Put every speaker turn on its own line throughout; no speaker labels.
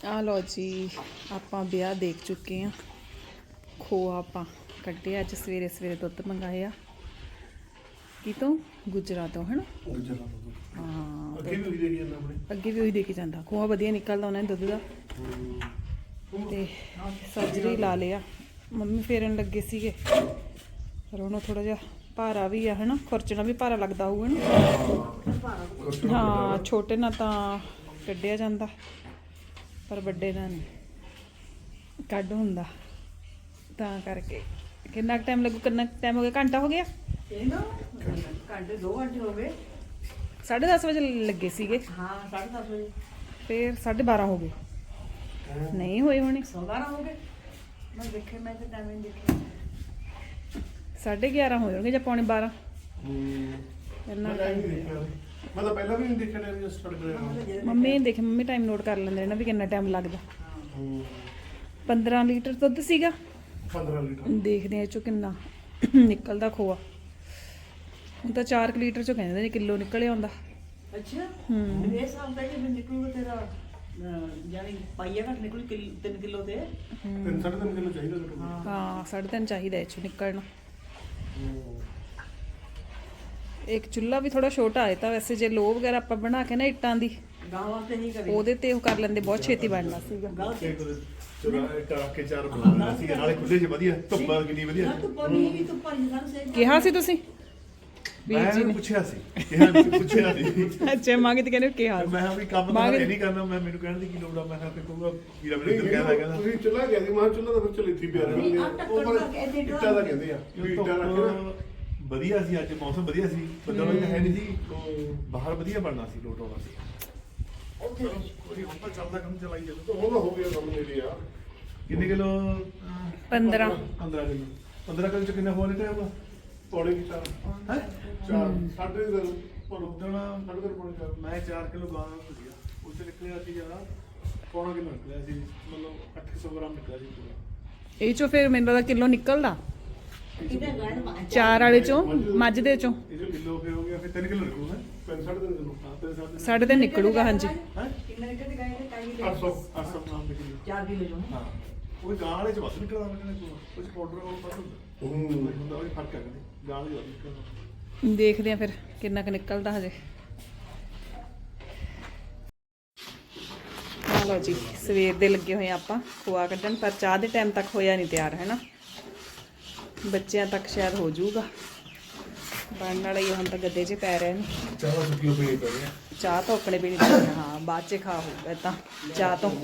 ਆ ਲਓ ਜੀ, ਆਪਾਂ ਵਿਆਹ ਦੇਖ ਚੁੱਕੇ ਹਾਂ। ਖੋਆ ਆਪਾਂ ਕੱਢਿਆ ਅੱਜ ਸਵੇਰੇ ਸਵੇਰੇ, ਦੁੱਧ ਮੰਗਾਇਆ ਕਿਤੋਂ, ਗੁਜਰਾ ਤੋਂ, ਹੈ ਨਾ। ਹਾਂ, ਅੱਗੇ ਵੀ ਉਹੀ ਦੇਖੀ ਜਾਂਦਾ। ਖੋਆ ਵਧੀਆ ਨਿਕਲਦਾ ਉਹਨਾਂ ਨੇ ਦੁੱਧ ਦਾ। ਤੇ ਸਰਜਰੀ ਲਾ ਲਿਆ, ਮੰਮੀ ਫੇਰਨ ਲੱਗੇ ਸੀਗੇ, ਪਰ ਉਹਨੂੰ ਥੋੜਾ ਜਿਹਾ ਭਾਰਾ ਵੀ ਆ, ਹੈ ਨਾ। ਖੁਰਚਣਾ ਵੀ ਭਾਰਾ ਲੱਗਦਾ ਹੋਊਗਾ ਨਾ। ਹਾਂ, ਛੋਟੇ ਨਾਲ ਤਾਂ ਕੱਢਿਆ ਜਾਂਦਾ, ਪਰ ਵੱਡੇ ਨਾਲ ਨਹੀਂ ਕੱਢ ਹੁੰਦਾ, ਤਾਂ ਕਰਕੇ। ਕਿੰਨਾ ਟਾਈਮ ਲੱਗੂ? ਕਿੰਨਾ ਟਾਈਮ ਹੋ ਗਿਆ? ਘੰਟਾ ਹੋ ਗਿਆ?
ਘੰਟੇ 2 ਘੰਟੇ ਹੋ ਗਏ।
10:30 ਵਜੇ ਲੱਗੇ ਸੀਗੇ।
ਹਾਂ 10:30 ਵਜੇ,
ਫਿਰ 12:30 ਹੋ ਗਏ। ਨਹੀਂ ਹੋਏ ਹੋਣੇ,
12 ਹੋ ਗਏ। ਮੈਂ ਦੇਖੇ, ਮੈਂ ਤਾਂ ਟਾਈਮ ਨਹੀਂ ਦੇਖਿਆ।
11:30 ਹੋ ਜਾਣਗੇ ਜਾਂ ਪੌਣੇ 12। ਇੰਨਾ
ਮੈਂ ਤਾਂ ਪਹਿਲਾਂ ਵੀ ਨਹੀਂ ਦੇਖਿਆ, ਟਾਈਮ ਸਟਾਰਟ ਕਰਿਆ।
ਮੰਮੀ ਦੇਖੇ, ਮੰਮੀ ਟਾਈਮ ਨੋਟ ਕਰ ਲੈਂਦੇ ਨੇ ਵੀ ਕਿੰਨਾ ਟਾਈਮ ਲੱਗਦਾ। 15 ਲੀਟਰ ਦੁੱਧ ਸੀਗਾ।
15 ਲੀਟਰ
ਦੇਖਦੇ ਆ ਇਹ ਚੋਂ ਕਿੰਨਾ ਨਿਕਲਦਾ ਖੋਆ। ਹੁਣ ਤਾਂ 4 ਲੀਟਰ ਚੋਂ ਕਹਿੰਦੇ ਨੇ ਕਿਲੋ ਨਿਕਲਿਆ ਹੁੰਦਾ।
ਅੱਛਾ, ਮੇਰੇ ਹਿਸਾਬ ਦਾ ਜੇ ਨਿਕਲੂਗਾ ਤੇਰਾ ਜਾਨੀ ਪਾਈਆ ਘੱਟ ਨਿਕਲੂ 3 ਕਿਲੋ ਤੇ
3.5 ਕਿਲੋ ਚਾਹੀਦਾ ਘੱਟੋ ਘੱਟ।
ਹਾਂ 3.5 ਚਾਹੀਦਾ ਇਹ ਚੋਂ ਨਿਕਲਣਾ। ਇੱਕ ਚੁੱਲ੍ਹਾ ਵੀ ਥੋੜਾ ਛੋਟਾ ਹੈ ਤਾਂ ਵੈਸੇ ਜੇ ਲੋਹ ਵਗੈਰਾ ਆਪਾਂ ਬਣਾ ਕੇ ਨਾ ਇੱਟਾਂ ਦੀ,
ਗਾਂ ਵਾਸਤੇ ਨਹੀਂ ਕਰੇ
ਉਹਦੇ ਤੇ ਉਹ ਕਰ ਲੈਂਦੇ, ਬਹੁਤ ਛੇਤੀ ਬਣਨਾ ਸੀਗਾ।
ਕੇ ਚਾਰ ਬਣਾਉਣਾ ਸੀ ਨਾਲੇ ਖੁੱਲੇ ਚ ਵਧੀਆ, ਧੁੱਪਾਂ ਕਿੰਨੀ ਵਧੀਆ ਸੀ।
ਧੁੱਪਾਂ ਨਹੀਂ ਧੁੱਪਾਂ ਨਹੀਂ ਸਾਨੂੰ ਸਹੀ
ਕਿਹਾ ਸੀ ਤੁਸੀਂ ਵੀਰ ਜੀ
ਮੈਂ
ਨੇ?
ਪੁੱਛਿਆ ਸੀ ਪੁੱਛਿਆ ਸੀ।
ਅੱਛਾ, ਮੰਗ ਤੇ ਕਹਿੰਦੇ ਕਿਹਾ
ਮੈਂ ਕਿਹਾ ਵੀ ਕੰਮ ਤਾਂ ਇਹ ਨਹੀਂ ਕਰਨਾ, ਮੈਂ ਮੈਨੂੰ ਕਹਿਣ ਦੀ ਕੀ ਲੋੜ ਆ। ਮੈਂ ਕਿਹਾ ਕਿ ਕਹੂੰਗਾ ਵੀਰਾ ਮੈਨੂੰ ਇੱਧਰ ਕਹਿੰਦਾ ਤੁਸੀਂ ਚੁੱਲ੍ਹਾ ਕਹਿੰਦੇ, ਮੈਂ ਚੁੱਲ੍ਹਾ ਤਾਂ ਫਿਰ ਚੱਲ ਇੱਥੇ ਪਿਆ ਰਹਿਣਾ। ਉਹ ਪਰ ਇੱਟਾਂ ਦਾ ਕਹਿੰਦੇ ਆ, ਇੱਟਾਂ ਰੱਖਣਾ
ਵਧੀਆ ਸੀ। ਅੱਜ ਮੌਸਮ ਵਧੀਆ ਸੀ, ਬੱਦਲ ਵੀ ਹੈ ਨਹੀਂ ਸੀ, ਬਾਹਰ ਵਧੀਆ ਬਣਨਾ ਸੀ, ਲੋਟ ਆਉਣਾ ਸੀ।
ਕੋਈ ਹੁਣ ਤਾਂ ਚੱਲਦਾ ਕੰਮ ਚਲਾਈ ਜਾਂਦਾ, ਤਾਂ ਉਹਦਾ ਹੋ ਗਿਆ ਕੰਮ ਨੇੜੇ ਆ।
ਕਿੰਨੇ ਕਿਲੋ?
15
15 ਕਿਲੋ। 15 ਕਿਲੋ ਚ ਕਿੰਨਾ ਹੋ ਨਿਕਲਿਆ ਹੋਊਗਾ?
ਪੌੜੇ ਕੀ ਚਾਰ
ਹੈ
ਸਾਢੇ ਦਿਨ ਪਰ
ਉਦੋਂ
ਸਾਢੇ ਦਿਨ ਪੌੜੇ ਚਾਰ।
ਮੈਂ 4 ਕਿਲੋ ਗਾਂ ਸੀਗਾ, ਉਹ ਚ ਨਿਕਲਿਆ ਸੀ ਜ਼ਿਆਦਾ, ਪੌਣਾ ਕਿਲੋ ਨਿਕਲਿਆ ਸੀ, ਮਤਲਬ 800 ਗ੍ਰਾਮ ਨਿਕਲਿਆ ਸੀ ਪੂਰਾ।
ਇਹ ਚੋਂ ਫਿਰ ਮੈਨੂੰ ਲੱਗਦਾ ਕਿਲੋ ਨਿਕਲਦਾ।
ਕਿਤੇ ਗਾਂ ਮਾਂ
4 ਵਾਲੇ ਚੋਂ, ਮੱਝ ਦੇ ਚੋਂ
ਇਹ ਜੋ ਕਿਲੋ ਫਿਰ ਹੋ ਗਿਆ, ਫਿਰ 3 ਕਿਲੋ ਨਿਕਲੂਗਾ।
3.5 ਕਿਲੋ
ਹਾਂ, 3.5
3.5 ਨਿਕਲੂਗਾ। ਹਾਂਜੀ,
ਹੈ
ਕਿੰਨੇ ਨਿਕਲ ਗਏ ਤੇ ਕਾਈ
800
800 ਗ੍ਰਾਮ ਦੇ ਕਿਲੋ।
4 ਕਿਲੋ ਜੋ
ਹਾਂ, ਉਹ ਗਾਂ ਵਾਲੇ ਚ ਵੱਧ ਨਿਕਲਦਾ, ਮੈਨੂੰ ਉਹ ਚ ਪਾਊਡਰ ਉਹ ਵੱਧ ਹੁੰਦਾ ਹੁੰਦਾ, ਉਹ ਫਰਕ ਹੈ ਕਹਿੰਦੇ ਗਾਂ ਵਾਲੇ ਵੱਧ ਨਿਕਲਦਾ।
ਦੇਖਦੇ ਆ ਫਿਰ ਕਿੰਨਾ ਕੁ ਨਿਕਲਦਾ ਹਜੇ। ਆ ਲਓ ਜੀ, ਸਵੇਰ ਦੇ ਲੱਗੇ ਹੋਏ ਆਪਾਂ ਖੋਆ ਕੱਢਣ, ਪਰ ਚਾਹ ਦੇ ਟਾਈਮ ਤੱਕ ਹੋਇਆ ਨਹੀਂ ਤਿਆਰ, ਹੈ ਨਾ। ਬੱਚਿਆਂ ਤੱਕ ਸ਼ਾਇਦ ਹੋ ਜਾਊਗਾ, ਬਣਨ ਵਾਲਾ ਹੀ। ਹੁਣ ਤਾਂ ਗੱਦੇ 'ਚ ਪੈ ਰਹੇ ਨੇ।
ਚਾਹ ਸੁੱਕੀ ਹੋ ਪਈ ਪਈ।
ਚਾਹ ਤਾਂ ਆਪਣੇ ਵੀ ਨਹੀਂ ਪੀਣੀ। ਹਾਂ, ਬਾਅਦ 'ਚ ਖਾ ਹੋਊਗਾ ਤਾਂ ਚਾਹ ਤੋਂ।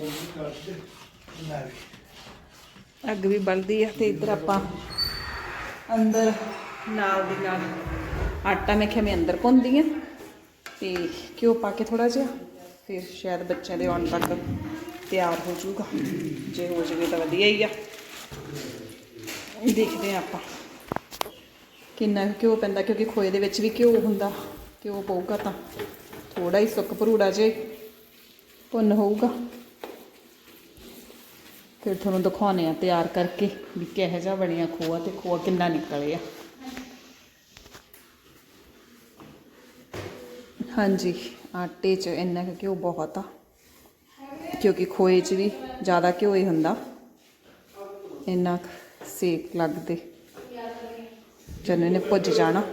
ਅੱਗ ਵੀ ਬਲਦੀ ਆ। ਤੇ ਇੱਧਰ ਆਪਾਂ ਅੰਦਰ ਨਾਲ ਦੀ ਨਾਲ ਆਟਾ ਮੈਂ ਕਿਹਾ ਮੈਂ ਅੰਦਰ ਭੁੰਨਦੀ ਆ, ਤੇ ਘਿਓ ਪਾ ਕੇ ਥੋੜਾ ਜਿਹਾ, ਫਿਰ ਸ਼ਾਇਦ ਬੱਚਿਆਂ ਦੇ ਆਉਣ ਤੱਕ ਤਿਆਰ ਹੋ ਜਾਊਗਾ। ਜੇ ਹੋ ਜਾਵੇ ਤਾਂ ਵਧੀਆ ਹੀ ਆ। ਦੇਖਦੇ ਆ ਆਪਾਂ ਕਿੰਨਾ ਘਿਓ ਪੈਂਦਾ, ਕਿਉਂਕਿ ਖੋਏ ਦੇ ਵਿੱਚ ਵੀ ਘਿਓ ਹੁੰਦਾ। ਘਿਓ ਪਊਗਾ ਤਾਂ ਥੋੜਾ ਹੀ ਸੁੱਕ ਭਰੂੜਾ ਜੇ ਭੁੰਨ ਹੋਊਗਾ। ਫਿਰ ਤੁਹਾਨੂੰ ਦਿਖਾਉਂਦੇ ਆ ਤਿਆਰ ਕਰਕੇ ਵੀ ਕਿਹੋ ਜਿਹਾ ਬਣਿਆ ਖੋਆ, ਤੇ ਖੋਆ ਕਿੰਨਾ ਨਿਕਲਿਆ। ਹਾਂਜੀ, ਆਟੇ 'ਚ ਇੰਨਾ ਕੁ ਘਿਓ ਬਹੁਤ ਆ, ਕਿਉਂਕਿ ਖੋਏ 'ਚ ਵੀ ਜ਼ਿਆਦਾ ਘਿਓ ਹੀ ਹੁੰਦਾ। ਇੰਨਾ ਸੇਕ ਲੱਗਦੇ ਜਦੋਂ ਇਹਨੇ ਭੁੱਜ ਜਾਣਾ।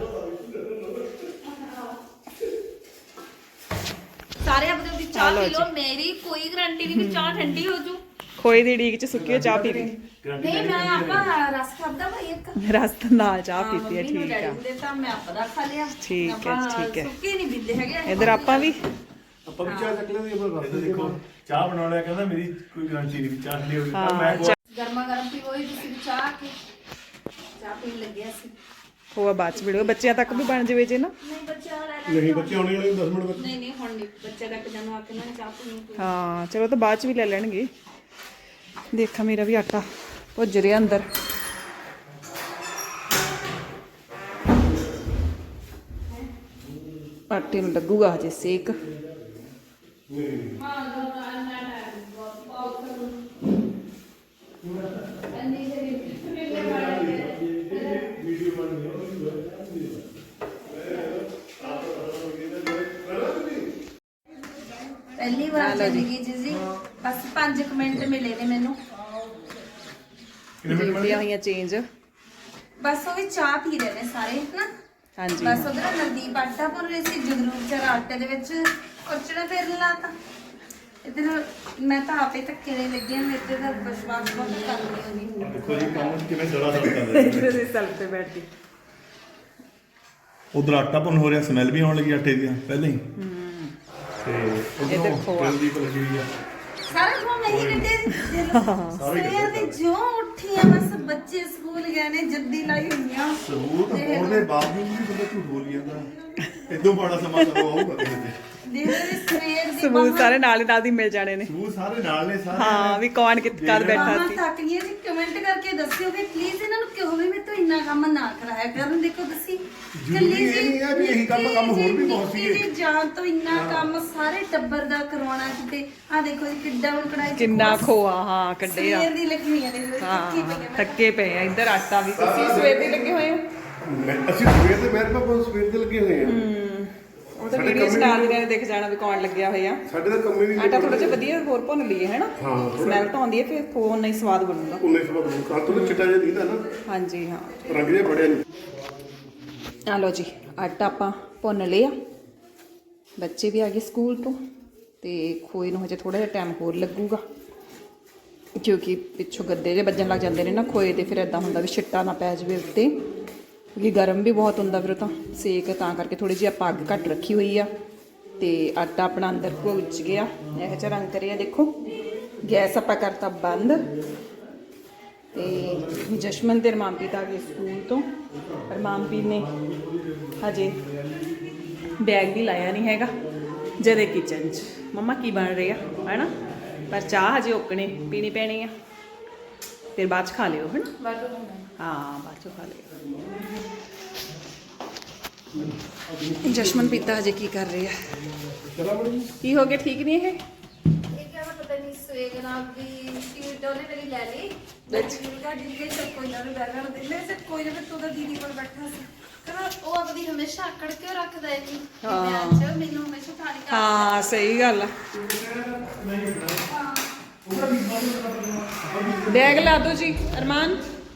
ਸਾਰੇ ਆਪਦੇ ਦੀ ਚਾਹ ਪੀ ਲਓ, ਮੇਰੀ ਕੋਈ ਗਰੰਟੀ ਨਹੀਂ ਵੀ ਚਾਹ ਠੰਡੀ ਹੋ ਜੂ।
ਖੋਏ ਦੀ ਡੀਕ 'ਚ ਸੁੱਕੀ ਹੋਈ ਚਾਹ ਪੀ ਲਈ।
ਨਹੀਂ, ਮੈਂ ਆਪਾਂ ਰਸ ਖਾਦਾ ਭਾਈ ਇੱਕ
ਰਸ ਨਾਲ ਚਾਹ ਪੀਤੀ ਹੈ। ਠੀਕ ਆ,
ਤਾਂ ਮੈਂ ਆਪਦਾ ਖਾ ਲਿਆ।
ਠੀਕ ਹੈ, ਠੀਕ ਹੈ।
ਸੁੱਕੇ ਨਹੀਂ ਪੀਂਦੇ ਹੈਗੇ।
ਇੱਧਰ ਆਪਾਂ ਵੀ
ਆਪਾਂ ਵੀ ਚਾਹ ਚੱਕ ਲੈਂਦੇ ਆਪਾਂ
ਇੱਧਰ ਦੇਖੋ, ਚਾਹ ਬਣਾਉਣ ਵਾਲਾ ਕਹਿੰਦਾ ਮੇਰੀ ਕੋਈ ਗਾਰੰਟੀ ਨਹੀਂ ਵੀ ਚਾਹ ਠੰਡੀ ਹੋਊਗੀ।
ਹਾਂ,
ਮੈਂ
ਗਰਮਾ ਗਰਮ ਪੀ ਹੋਈ ਤੁਸੀਂ ਚਾਹ ਕੇ ਚਾਹ ਪੀਣ ਲੱਗਿਆ ਸੀ।
ਖੋਆ ਬਾਅਦ 'ਚ ਵੀਡੀਓ ਬੱਚਿਆਂ ਤੱਕ ਵੀ ਬਣ ਜਾਵੇ ਜੇ ਨਾ।
ਨਹੀਂ ਬੱਚਾ ਲੈ
ਨਹੀਂ, ਬੱਚੇ ਆਉਣੇ ਵਾਲੇ 10 ਮਿੰਟ ਤੱਕ।
ਨਹੀਂ ਹੁਣ ਨਹੀਂ ਬੱਚਾ ਤੱਕ ਜਾਨੂੰ ਆ ਕੇ ਨਾ ਚਾਹ ਪੀਣੀ।
ਹਾਂ ਚਲੋ, ਤਾਂ ਬਾਅਦ 'ਚ ਵੀ ਲੈ ਲੈਣਗੇ। ਦੇਖਾ ਮੇਰਾ ਵੀ ਆਟਾ ਭੁੱਜ ਰਿਹਾ ਅੰਦਰ। ਆਟੇ ਨੂੰ ਲੱਗੂਗਾ ਹਜੇ ਸੇਕ।
ਪਹਿਲੀ ਵਾਰ ਜ਼ਿੰਦਗੀ 'ਚ ਜੀ ਬਸ 5 ਮਿੰਟ ਮਿਲੇ ਨੇ ਮੈਨੂੰ।
ਡਿਊਟੀਆਂ ਹੋਈਆਂ ਚੇਂਜ।
ਬਸ ਉਹ ਵੀ ਚਾਹ ਪੀ ਰਹੇ ਨੇ ਸਾਰੇ ਨਾ।
ਹਾਂਜੀ
ਬਸ ਉਧਰ ਨਵਦੀਪ ਆਟਾ ਭੁੰਨ ਰਹੀ ਸੀ, ਜਗਰੂਪ ਵਿਚਾਰਾ ਆਟੇ ਦੇ ਵਿੱਚ ਕੁਰਚਣਾ ਫੇਰਨ ਲਾਤਾ। ਇੱਧਰ ਮੈਂ ਤਾਂ ਆਪੇ ਧੱਕੇ ਦੇ ਲੱਗੀ ਹਾਂ, ਮੇਰੇ ਤੇ ਤਾਂ ਵਿਸ਼ਵਾਸ ਬਹੁਤ ਕਰਦੀ ਹੋਣੀ।
ਦੇਖੋ ਜੀ ਕੰਮ ਕਿਵੇਂ ਦੜਾ ਦੜ ਕਰ ਰਿਹਾ
ਇੱਧਰ ਅਸੀਂ ਸੈਲਫ ਤੇ ਬੈਠੀ।
ਉਧਰ ਆਟਾ ਭੁੰਨ ਹੋ ਰਿਹਾ, ਸਮੈਲ ਵੀ ਆਉਣ ਲੱਗੀ ਆਟੇ ਦੀ ਪਹਿਲਾਂ ਹੀ। ਤੇ
ਇੱਧਰ
ਉਧਰੋਂ
ਖੋਆ।
ਤੇਲ ਦੀ ਲੱਗੀ ਹੋਈ ਆ।
ਸਾਰਾ ਖੋ ਨਹੀਂ ਕੱਢੇ ਸਵੇਰ ਦੀ ਜੋ ਉੱਠੀਆਂ ਬਸ ਬੱਚੇ ਸਕੂਲ ਗਏ ਨੇ, ਜੱਦੀ ਲਾਈ ਹੋਈਆਂ।
ਸਬੂਤ ਹੋਣ ਦੇ ਬਾਵਜੂਦ ਵੀ ਬੰਦਾ ਝੂਠ ਬੋਲੀ ਜਾਂਦਾ। ਇਦੋਂ ਬੜਾ ਸਮਾਂ ਤਾਂ ਆਊਗਾ ਕਿਸੇ ਤੇ।
ਦੇਖ ਲਈ ਸਵੇਰ ਦੀ
ਸਬੂਤ ਸਾਰੇ ਨਾਲ ਦੀ ਮਿਲ ਜਾਣੇ ਨੇ।
ਸਬੂਤ ਸਾਰੇ ਨਾਲ ਨੇ ਸਾਰੇ।
ਹਾਂ ਵੀ ਕੌਣ ਕਦ ਬੈਠਾ
ਮਾਮਾ
ਸੀ।
ਥੱਕ ਗਈਆਂ ਜੀ, ਕਮੈਂਟ ਕਰਕੇ ਦੱਸਿਓ ਕਿ ਪਲੀਜ਼ ਇਹਨਾਂ ਨੂੰ ਕਿਉਂ ਵੀ ਮੇਰੇ ਤੋਂ ਇੰਨਾ ਕੰਮ ਨਾ ਕਰਾਇਆ ਕਰਨ। ਦੇਖੋ ਤੁਸੀਂ
ਜ਼ਰੂਰੀ ਇਹ ਨਹੀਂ ਹੈ ਵੀ ਇਹੀ ਕੰਮ ਹੋਰ ਵੀ ਬਹੁਤ ਸੀਗੇ।
ਜੀ ਜਾਨ ਤੋਂ ਇੰਨਾ ਕੰਮ ਸਾਰੇ ਟੱਬਰ ਦਾ ਕਰਵਾਉਣਾ ਕਿਤੇ। ਆ ਦੇਖੋ ਜੀ ਕਿੱਡਾ ਹੁਣ ਕੜਾਈ ਚ
ਕਿੰਨਾ
ਖੋਆ
ਖੋਆ ਹਾਂ ਕੱਢੇ ਆ।
ਸਵੇਰ ਦੀ ਲక్ష్ਮੀਆਂ ਨੇ
ਹਾਂ
ਥੱਕੀ ਪਈਆਂ।
ਥੱਕੇ ਪਏ ਆ। ਇੱਧਰ ਆਟਾ ਵੀ ਤੁਸੀਂ ਸਵੇਰ ਦੇ ਲੱਗੇ ਹੋਏ ਹੋ।
ਅਸੀਂ ਸਵੇਰ ਦੇ ਮੇਰੇ ਪਾਪਾ ਸਵੇਰ ਦੇ ਲੱਗੇ ਹੋਏ ਆ।
ਉਹ ਤਾਂ ਵੀਡੀਓ ਸਟਾਰ ਦੇ ਦੇਖ ਜਾਣਾ ਵੀ ਕੌਣ ਲੱਗਿਆ ਹੋਇਆ।
ਸਾਡੇ ਤਾਂ ਕੰਮੇ ਵੀ
ਆਟਾ ਥੋੜਾ ਜਿਹਾ ਵਧੀਆ ਹੋਰ ਭੁੰਨ ਲਈਏ ਹੈ ਨਾ।
ਹਾਂ,
ਸਮੈਲ ਤਾਂ ਆਉਂਦੀ ਹੈ, ਫਿਰ ਫੋਨ ਨਹੀਂ ਸਵਾਦ ਬਣੂਗਾ।
19 ਸਾਲ ਤੋਂ ਚਿੱਟਾ ਜਿਹਾ ਦਿਖਦਾ ਨਾ,
ਹਾਂਜੀ ਹਾਂ।
ਰੰਗ ਜਿਹਾ ਬੜਿਆ ਨਹੀਂ।
ਆ ਲਓ ਜੀ ਆਟਾ ਆਪਾਂ ਭੁੰਨ ਲਿਆ। ਬੱਚੇ ਵੀ ਆ ਗਏ ਸਕੂਲ ਤੋਂ ਤੇ ਖੋਏ ਨੂੰ ਹਜੇ ਥੋੜਾ ਜਿਹਾ ਟਾਈਮ ਹੋਰ ਲੱਗੂਗਾ, ਕਿਉਂਕਿ ਪਿੱਛੋਂ ਗੱਦੇ ਜੇ ਵੱਜਣ ਲੱਗ ਜਾਂਦੇ ਨੇ ਨਾ ਖੋਏ ਤੇ। ਫਿਰ ਇਦਾਂ ਹੁੰਦਾ ਵੀ ਛਿੱਟਾ ਨਾ ਪੈ ਜਾਵੇ ਉੱਤੇ, ਕਿਉਂਕਿ ਗਰਮ ਵੀ ਬਹੁਤ ਹੁੰਦਾ ਫਿਰ ਉਹ ਤਾਂ ਸੇਕ। ਤਾਂ ਕਰਕੇ ਥੋੜੀ ਜਿਹੀ ਆਪਾਂ ਅੱਗ ਘੱਟ ਰੱਖੀ ਹੋਈ ਆ। ਤੇ ਆਟਾ ਆਪਣਾ ਅੰਦਰ ਭੁੱਜ ਗਿਆ, ਇਹੋ ਜਿਹਾ ਰੰਗ ਕਰਿਆ ਦੇਖੋ। ਗੈਸ ਆਪਾਂ ਕਰਤਾ ਬੰਦ। ਤੇ ਜਸ਼ਮਨ ਤੇ ਰਮਾਨਪ੍ਰੀਤ ਆ ਗਏ ਸਕੂਲ ਤੋਂ। ਰਮਾਨਪ੍ਰੀਤ ਨੇ ਹਜੇ ਬੈਗ ਵੀ ਲਾਇਆ ਨਹੀਂ ਹੈਗਾ। ਜਦੇ ਕਿਚਨ 'ਚ ਮੰਮਾ ਕੀ ਬਣ ਰਿਹਾ ਹੈ ਨਾ। ਪਰ ਚਾਹ ਹਜੇ ਓਕਣੇ ਪੀਣੀ ਪੈਣੀ ਆ, ਫਿਰ ਬਾਅਦ 'ਚ ਖਾ ਲਿਓ ਹੈ ਨਾ। ਹਾਂ ਬਾਅਦ 'ਚੋਂ ਖਾ ਲਿਓ। ਜਸ਼ਮਨ ਪੀਤਾ ਹਜੇ ਕੀ ਕਰ ਰਹੀ ਆ? ਕੀ ਹੋ ਗਿਆ? ਠੀਕ ਨਹੀਂ ਇਹ?
ਇਹ ਕਿਹਾ ਪਤਾ ਨਹੀਂ ਸਵੇਗ ਨਾਲ ਦੀ ਸੀਟ ਉਹਨੇ ਮੇਰੀ ਲੈ ਲਈ। ਗੱਡੀ ਦੇ ਸਭ ਕੋਈ ਨਾ ਬੈਠਾ ਨਾ ਦਿਲੇ ਸੇ ਕੋਈ ਨਾ ਤੂੰ ਤਾਂ ਦੀਦੀ ਕੋਲ ਬੈਠਾ ਸੀ। ਕਹਿੰਦਾ ਉਹ ਆਪਣੀ ਹਮੇਸ਼ਾ ਆਕੜ ਕੇ ਰੱਖਦਾ ਹੈ ਜੀ। ਮੈਂ ਅੱਜ ਮੈਨੂੰ ਹਮੇਸ਼ਾ ਠਾਣੀ ਕਰ।
ਹਾਂ ਸਹੀ ਗੱਲ ਆ। ਬੈਗ ਲਾ ਦਿਓ ਜੀ ਅਰਮਾਨ।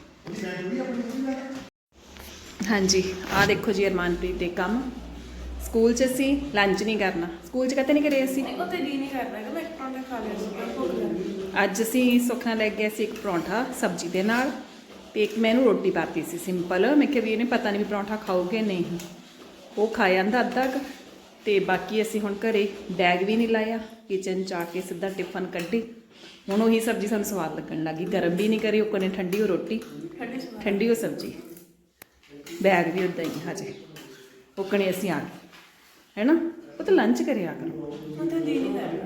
ਹਾਂਜੀ ਆ ਦੇਖੋ ਜੀ ਅਰਮਾਨਪ੍ਰੀਤ ਦੇ ਕੰਮ। ਸਕੂਲ 'ਚ ਅਸੀਂ ਲੰਚ ਨਹੀਂ ਕਰਨਾ। ਸਕੂਲ 'ਚ ਕਦੇ ਨਹੀਂ ਕਰੇ ਅਸੀਂ।
ਉੱਥੇ ਜੀ ਨਹੀਂ ਕਰਦਾ ਕਿ ਮੈਂ ਇੱਕ ਪਰੌਂਠਾ ਖਾ ਲਿਆ ਸੀ, ਭੁੱਖ ਲੱਗੀ।
ਅੱਜ ਅਸੀਂ ਸੁੱਖਣਾ ਲੈ ਗਏ ਸੀ ਇੱਕ ਪਰੌਂਠਾ ਸਬਜ਼ੀ ਦੇ ਨਾਲ, ਤੇ ਇੱਕ ਮੈਨੂੰ ਰੋਟੀ ਪਾਤੀ ਸੀ ਸਿੰਪਲ। ਮੈਂ ਕਿਹਾ ਵੀ ਇਹਨੇ ਪਤਾ ਨਹੀਂ ਵੀ ਪਰੌਂਠਾ ਖਾਓਗੇ ਨਹੀਂ। ਉਹ ਖਾ ਜਾਂਦਾ ਅੱਧਾ ਕੁ। ਤੇ ਬਾਕੀ ਅਸੀਂ ਹੁਣ ਘਰੇ ਬੈਗ ਵੀ ਨਹੀਂ ਲਾਇਆ, ਕਿਚਨ 'ਚ ਆ ਕੇ ਸਿੱਧਾ ਟਿਫਨ ਕੱਢੀ। ਹੁਣ ਉਹੀ ਸਬਜ਼ੀ ਸਾਨੂੰ ਸਵਾਦ ਲੱਗਣ ਲੱਗੀ। ਗਰਮ ਵੀ ਨਹੀਂ ਕਰੀ ਉਹ ਕੋਨੇ, ਠੰਡੀ ਉਹ ਰੋਟੀ ਠੰਡੀ ਉਹ ਸਬਜ਼ੀ। ਬੈਗ ਵੀ ਉਦਾਂ ਹੀ ਹਜੇ ਉਕਣੇ ਅਸੀਂ ਆ ਗਏ ਹੈ ਨਾ। ਉਹ ਤਾਂ ਲੰਚ ਕਰਿਆ ਕਰੋ।
ਉੱਥੇ ਜੀ ਨਹੀਂ ਕਰਦਾ।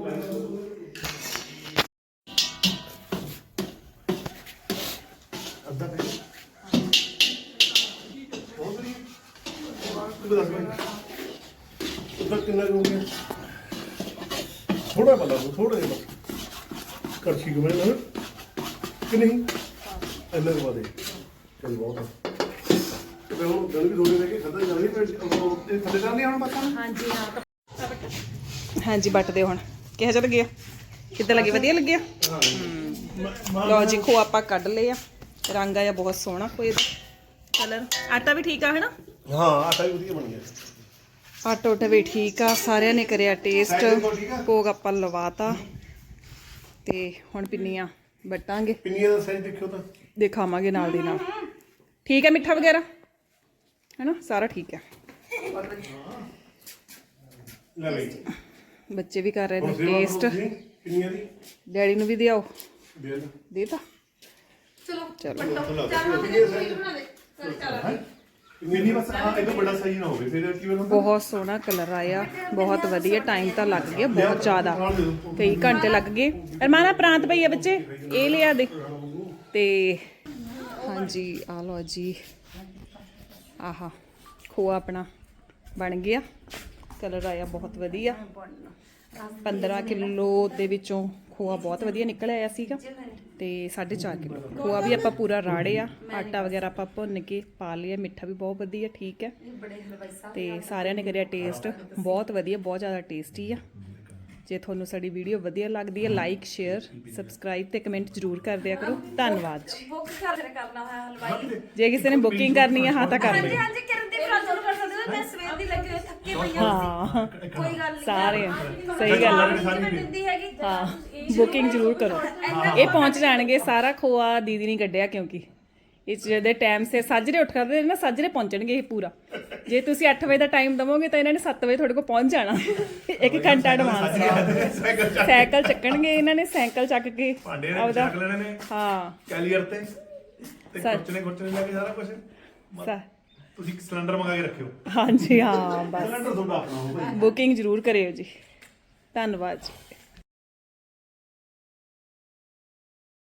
ਅੱਧਾ ਪੈ
ਉੱਧਰ ਕਿੰਨਾ ਕੁ ਹੋ ਗਿਆ? ਥੋੜਾ ਬਲਾ ਥੋੜਾ ਜਿਹਾ ਕੜਛੀ ਕੁ ਨਾ ਕਿ ਨਹੀਂ ਇੰਨਾ ਕੁ ਬਾਦੇ ਚਲ ਬਹੁਤ ਆ। ਤੇ ਫਿਰ ਹੁਣ ਦਿਨ ਵੀ ਥੋੜੇ ਰਹਿ ਗਏ, ਖਾਧਾ ਜਾ ਰਹੀ। ਇਹ ਥੱਲੇ ਚੱਲਦੀ ਹੁਣ ਬਸ।
ਹਾਂਜੀ ਹਾਂ ਹਾਂਜੀ ਬੱਟ ਦੇ ਹੁਣ ਕਿਹੋ ਜਿਹਾ ਲੱਗਿਆ? ਕਿੱਦਾਂ ਲੱਗੀ? ਵਧੀਆ ਲੱਗਿਆ। ਲਓ ਜੀ ਖੋ ਆਪਾਂ ਕੱਢ ਲਏ ਆ। ਰੰਗ ਆਇਆ ਬਹੁਤ ਸੋਹਣਾ ਕੋਈ ਕਲਰ। ਆਟਾ ਵੀ ਠੀਕ ਆ ਹੈ ਨਾ।
ਹਾਂ ਆਟਾ ਵੀ ਵਧੀਆ ਬਣ ਗਿਆ।
ਆਟਾ ਉਟਾ ਵੀ ਠੀਕ ਆ। ਸਾਰਿਆਂ ਨੇ ਕਰਿਆ ਟੇਸਟ। ਭੋਗ ਆਪਾਂ ਲਵਾਤਾ ਤੇ ਹੁਣ ਪਿੰਨੀਆਂ ਵੱਟਾਂਗੇ।
ਪਿੰਨੀਆਂ ਦਾ ਸਾਈਜ਼ ਦੇਖਿਓ ਤਾਂ
ਦਿਖਾਵਾਂਗੇ ਨਾਲ ਦੀ ਨਾਲ। ਠੀਕ ਹੈ ਮਿੱਠਾ ਵਗੈਰਾ ਹੈ ਨਾ, ਸਾਰਾ ਠੀਕ ਹੈ।
ਲੈ ਬਈ
ਬੱਚੇ ਵੀ ਕਰ ਰਹੇ ਨੇ
ਹੁਣ ਸੇਵਾ
ਟੇਸਟ।
ਕਰੋ ਤੁਸੀਂ ਪਿੰਨੀਆਂ ਦੀ।
ਡੈਡੀ ਨੂੰ ਵੀ ਦਿਆਓ।
ਦੇ ਦੇ
ਦੇਤਾ
ਚਲੋ
ਚਲੋ।
ਚਾਹ ਮੈਂ ਤੇ ਸਵੀਟ ਬਣਾ ਦੇ। ਚੱਲ
ਮਿੰਨੀ ਬਸ ਇਹ ਤੋਂ ਵੱਡਾ ਸਾਈਜ਼ ਨਾ ਹੋਵੇ, ਫਿਰ ਕਿਵੇਂ ਹੁੰਦਾ।
ਬਹੁਤ ਸੋਹਣਾ ਕਲਰ ਆਇਆ, ਬਹੁਤ ਵਧੀਆ। ਟਾਈਮ ਤਾਂ ਲੱਗ ਗਿਆ ਬਹੁਤ ਜ਼ਿਆਦਾ, ਕਈ ਘੰਟੇ ਲੱਗ ਗਏ। ਅਰਮਾਨਾ ਪ੍ਰਾਂਤ ਭਈਆ ਬੱਚੇ ਇਹ ਲਿਆ ਦੇ। ਤੇ ਹਾਂਜੀ ਆ ਲਓ ਜੀ, ਆਹਾ ਖੋਆ ਆਪਣਾ ਬਣ ਗਿਆ। ਕਲਰ ਆਇਆ ਬਹੁਤ ਵਧੀਆ। 15 ਕਿਲੋ ਦੇ ਵਿੱਚੋਂ ਖੋਆ ਬਹੁਤ ਵਧੀਆ ਨਿਕਲ ਆਇਆ ਸੀਗਾ। ਤੇ 4.5 ਕਿਲੋ ਖੋਆ ਵੀ ਆਪਾਂ ਪੂਰਾ ਰਾੜਿਆ। ਆਟਾ ਵਗੈਰਾ ਆਪਾਂ ਭੁੰਨ ਕੇ ਪਾ ਲਿਆ। ਮਿੱਠਾ ਵੀ ਬਹੁਤ ਵਧੀਆ ਠੀਕ ਹੈ। ਤੇ ਸਾਰਿਆਂ ਨੇ ਕਰਿਆ ਟੇਸਟ ਬਹੁਤ ਵਧੀਆ, ਬਹੁਤ ਜ਼ਿਆਦਾ ਟੇਸਟੀ ਆ। ਜੇ ਤੁਹਾਨੂੰ ਸਾਡੀ ਵੀਡੀਓ ਵਧੀਆ ਲੱਗਦੀ ਹੈ ਲਾਈਕ ਸ਼ੇਅਰ ਸਬਸਕ੍ਰਾਈਬ ਤੇ ਕਮੈਂਟ ਜ਼ਰੂਰ ਕਰ ਦਿਆ ਕਰੋ। ਧੰਨਵਾਦ ਜੀ।
ਬੁੱਕ ਕਰਨਾ ਹੋਇਆ ਹਲਵਾਈ।
ਜੇ ਕਿਸੇ ਨੇ ਬੁਕਿੰਗ ਕਰਨੀ ਹੈ ਹਾਂ ਤਾਂ ਕਰ
ਹਾਂਜੀ
ਲਿਓ।
ਹਾਂਜੀ ਕਰਨ ਦੀ ਭਰਾ ਤੁਹਾਨੂੰ ਕਰ ਸਕਦੇ ਹੋ। ਮੈਂ ਸਵੇਰ ਦੀ ਲੱਗੀ ਹੋਈ ਥੱਕੇ ਪਈਆਂ
ਹਾਂ
ਸੀ। ਕੋਈ ਗੱਲ ਨਹੀਂ
ਸਾਰੇ ਸਹੀ ਗੱਲ ਹੈ।
ਮੈਂ ਦਿੰਦੀ ਹੈਗੀ।
ਹਾਂ ਬੁਕਿੰਗ ਜ਼ਰੂਰ ਕਰੋ। ਇਹ ਪਹੁੰਚ ਜਾਣਗੇ। ਸਾਰਾ ਖੋਆ ਦੀਦੀ ਨੇ ਕੱਢਿਆ ਕਿਉਂਕਿ ਇਸ ਦੇ ਟਾਈਮ ਸੇ ਸਾਜਰੇ ਉੱਠ ਕਰਦੇ ਨਾ ਸਾਜਰੇ ਪਹੁੰਚਣਗੇ ਇਹ ਪੂਰਾ। ਜੇ ਤੁਸੀਂ 8 ਵਜੇ ਦਾ ਟਾਈਮ ਦਵੋਗੇ ਤਾਂ ਇਹਨਾਂ ਨੇ 7 ਵਜੇ ਤੁਹਾਡੇ ਕੋਲ ਪਹੁੰਚ ਜਾਣਾ। 1 ਘੰਟਾ ਐਡਵਾਂਸ ਸਾਈਕਲ ਚੱਕਣਗੇ ਇਹਨਾਂ ਨੇ। ਸਾਈਕਲ ਚੱਕ ਕੇ
ਭਾਂਡੇ ਨੇ
ਆਪਦਾ
ਚੱਕ ਲੈਣੇ ਨੇ
ਹਾਂ
ਕੈਲੀਅਰ ਤੇ ਖੁਰਚਣੇ ਲੈ ਕੇ ਸਾਰਾ ਕੁਝ
ਸਾ-
ਤੁਸੀਂ ਸਿਲੰਡਰ ਮੰਗਾ ਕੇ ਰੱਖਿਓ।
ਹਾਂਜੀ ਹਾਂ ਬਸ
ਸਿਲੰਡਰ ਤੁਹਾਡਾ ਆਪਣਾ ਹੋਊਗਾ।
ਬੁਕਿੰਗ ਜ਼ਰੂਰ ਕਰਿਓ ਜੀ। ਧੰਨਵਾਦ ਜੀ।